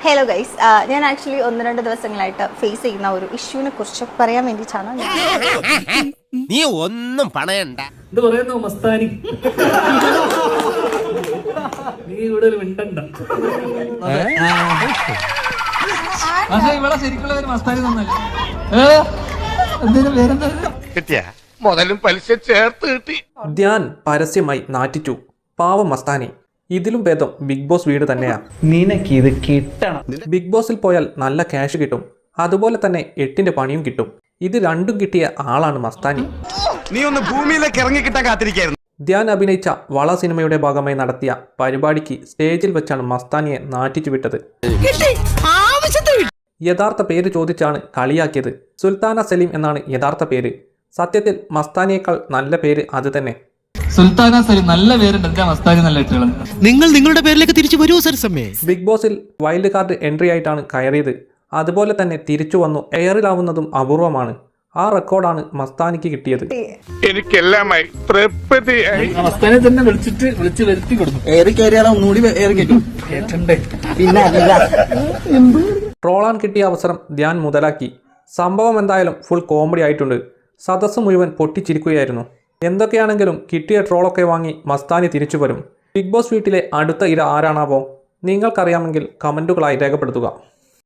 Hello guys, ഞാൻ actually 1-2 ദിവസങ്ങളായിട്ട് face ചെയ്യുന്ന ഒരു ഇഷ്യൂവിനെ കുറിച്ച് പറയാൻ വേണ്ടിയിട്ടാണ് നീ ഒന്നും പണയണ്ട. ഇത് പറയുന്നു മസ്താനി, നീ കൂടുതൽ മിണ്ടണ്ട. ഇവിടെ ശരിക്കുള്ള പേര് മസ്താനി കിട്ടിയ മുതലും പലിശ ചേർത്ത് കിട്ടി. ധ്യാൻ പരസ്യമായി നാറ്റിച്ചു. പാവം മസ്താനി. ഇതിലും ഭേദം ബിഗ് ബോസ് വീട് തന്നെയാ. നിനക്കിത് കിട്ടണം. ബിഗ് ബോസിൽ പോയാൽ നല്ല ക്യാഷ് കിട്ടും, അതുപോലെ തന്നെ 8ന്റെ പണിയും കിട്ടും. ഇത് രണ്ടും കിട്ടിയ ആളാണ് മസ്താനി. നീ ഒന്ന് ഭൂമിയിലേക്ക് ഇറങ്ങിക്കിട്ടാൻ കാത്തിരിക്കായിരുന്നു. ധ്യാൻ അഭിനയിച്ച വള സിനിമയുടെ ഭാഗമായി നടത്തിയ പരിപാടിക്ക് സ്റ്റേജിൽ വെച്ചാണ് മസ്താനിയെ നാറ്റിച്ചു വിട്ടത്. യഥാർത്ഥ പേര് ചോദിച്ചാണ് കളിയാക്കിയത്. സുൽത്താന സലീം എന്നാണ് യഥാർത്ഥ പേര്. സത്യത്തിൽ മസ്താനിയേക്കാൾ നല്ല പേര് അത് തന്നെ. സുൽത്താന സലീം നല്ല പേരുണ്ട്, മസ്താനി നല്ല ഇട്ടുകൾ. നിങ്ങൾ നിങ്ങളുടെ പേരിലേക്ക് തിരിച്ചു വരൂ സരസമ്മേ. ബിഗ് ബോസിൽ വൈൽഡ് കാർഡ് എൻട്രി ആയിട്ടാണ് കയറിയത്. അതുപോലെ തന്നെ തിരിച്ചു വന്നു എയറിലാവുന്നതും അപൂർവമാണ്. ആ റെക്കോർഡാണ് മസ്താനിക്ക് കിട്ടിയത്. എനിക്കെല്ലാമായി തൃപ്തിയായി. മസ്താനെ തന്നെ വിളിച്ച് വരുത്തി കൊടുക്കും. ഏറി കയറിയാലോ ഒന്നുകൂടി ഏറി കേട്ടണ്ടേ. പിന്നെ ട്രോളാൻ കിട്ടിയ അവസരം ധ്യാൻ മുതലാക്കി. സംഭവം എന്തായാലും ഫുൾ കോമഡി ആയിട്ടുണ്ട്. സദസ്സ് മുഴുവൻ പൊട്ടിച്ചിരിക്കുകയായിരുന്നു. എന്തൊക്കെയാണെങ്കിലും കിട്ടിയ ട്രോളൊക്കെ വാങ്ങി മസ്താനി തിരിച്ചു വരും. ബിഗ് ബോസ് വീട്ടിലെ അടുത്ത ഇര ആരാണാവോ? നിങ്ങൾക്കറിയാമെങ്കിൽ കമൻറ്റുകളായി രേഖപ്പെടുത്തുക.